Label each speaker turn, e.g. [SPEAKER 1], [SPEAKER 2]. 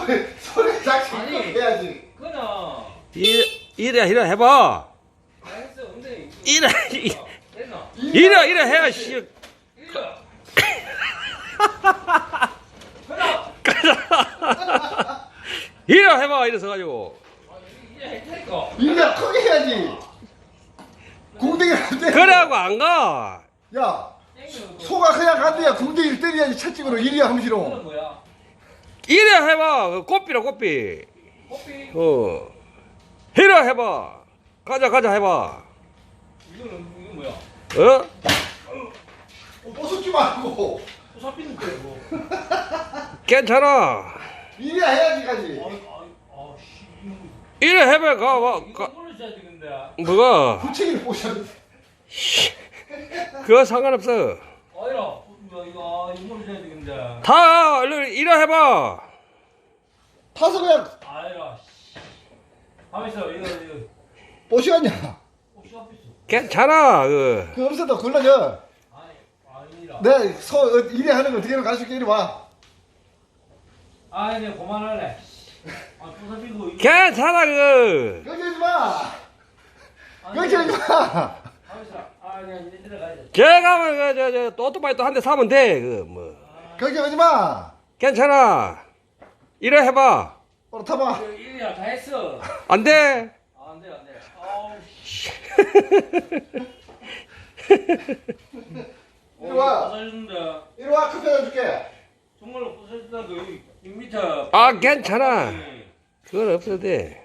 [SPEAKER 1] 소리 작게
[SPEAKER 2] 아니.
[SPEAKER 1] 해야지.
[SPEAKER 2] 그나.
[SPEAKER 3] 이래 해봐.
[SPEAKER 2] 알았어. 근데
[SPEAKER 3] 이래
[SPEAKER 2] 됐나?
[SPEAKER 3] 이래 해야 씨.
[SPEAKER 2] 이래.
[SPEAKER 3] 이래 해봐 이래서 가지고.
[SPEAKER 2] 이제 할 테니까.
[SPEAKER 1] 이래 크게 해야지. 궁뎅이를 안 돼.
[SPEAKER 3] 그래하고 안 가.
[SPEAKER 1] 야, 소가 그냥 간대야. 궁뎅이를 때려야지 채찍으로 이리야
[SPEAKER 2] 이거는
[SPEAKER 1] 함시로.
[SPEAKER 2] 뭐야?
[SPEAKER 3] 이래 해봐. 그 꽃비라 꽃비.
[SPEAKER 2] 커피?
[SPEAKER 3] 이래 해봐. 가자 해봐.
[SPEAKER 2] 이건 뭐야?
[SPEAKER 3] 어?
[SPEAKER 1] 뽀쏟지 말고.
[SPEAKER 2] 또 잡히는데 뭐.
[SPEAKER 3] 괜찮아.
[SPEAKER 1] 이래 해야지 가지.
[SPEAKER 2] 씨.
[SPEAKER 3] 이래 해봐 가.
[SPEAKER 2] 이거 손을 써야지 근데.
[SPEAKER 3] 뭐가?
[SPEAKER 1] 부채기를 뽀셔야 돼.
[SPEAKER 3] 그거 상관없어.
[SPEAKER 2] 아니라 이거 손을 써야지 근데.
[SPEAKER 3] 다 얼른 이래 해봐.
[SPEAKER 1] 타서 그냥
[SPEAKER 2] 아니라. 가만 있어 이거.
[SPEAKER 1] 뽀시겠냐.
[SPEAKER 2] 혹시 앞에 있어?
[SPEAKER 3] 괜찮아. 그
[SPEAKER 1] 그 없어도 굴러져.
[SPEAKER 2] 아니라.
[SPEAKER 1] 내 소 이래 하는 거 어떻게 가르쳐줄게. 이리 와.
[SPEAKER 2] 아니 그만할래. 또 잡히고 이거.
[SPEAKER 3] 괜찮아 그.
[SPEAKER 1] 걱정하지 마.
[SPEAKER 2] 아니,
[SPEAKER 1] 걱정하지 마.
[SPEAKER 2] 가만 있어. 아니 이제 들어가야 돼.
[SPEAKER 3] 걔가 저 오토바이 또 한 대 사면 돼. 그 뭐.
[SPEAKER 1] 걱정하지 마.
[SPEAKER 3] 괜찮아. 이래 해봐.
[SPEAKER 1] 오늘 타봐.
[SPEAKER 2] 이리야 다 했어.
[SPEAKER 3] 안 돼.
[SPEAKER 2] 안 돼. 아우 씨.
[SPEAKER 1] 이리 와.
[SPEAKER 2] 부서진다.
[SPEAKER 1] 이리 와. 커피 하나 줄게.
[SPEAKER 2] 정말로 부서진다 그 6m.
[SPEAKER 3] 아 괜찮아. 그건 없어도 돼.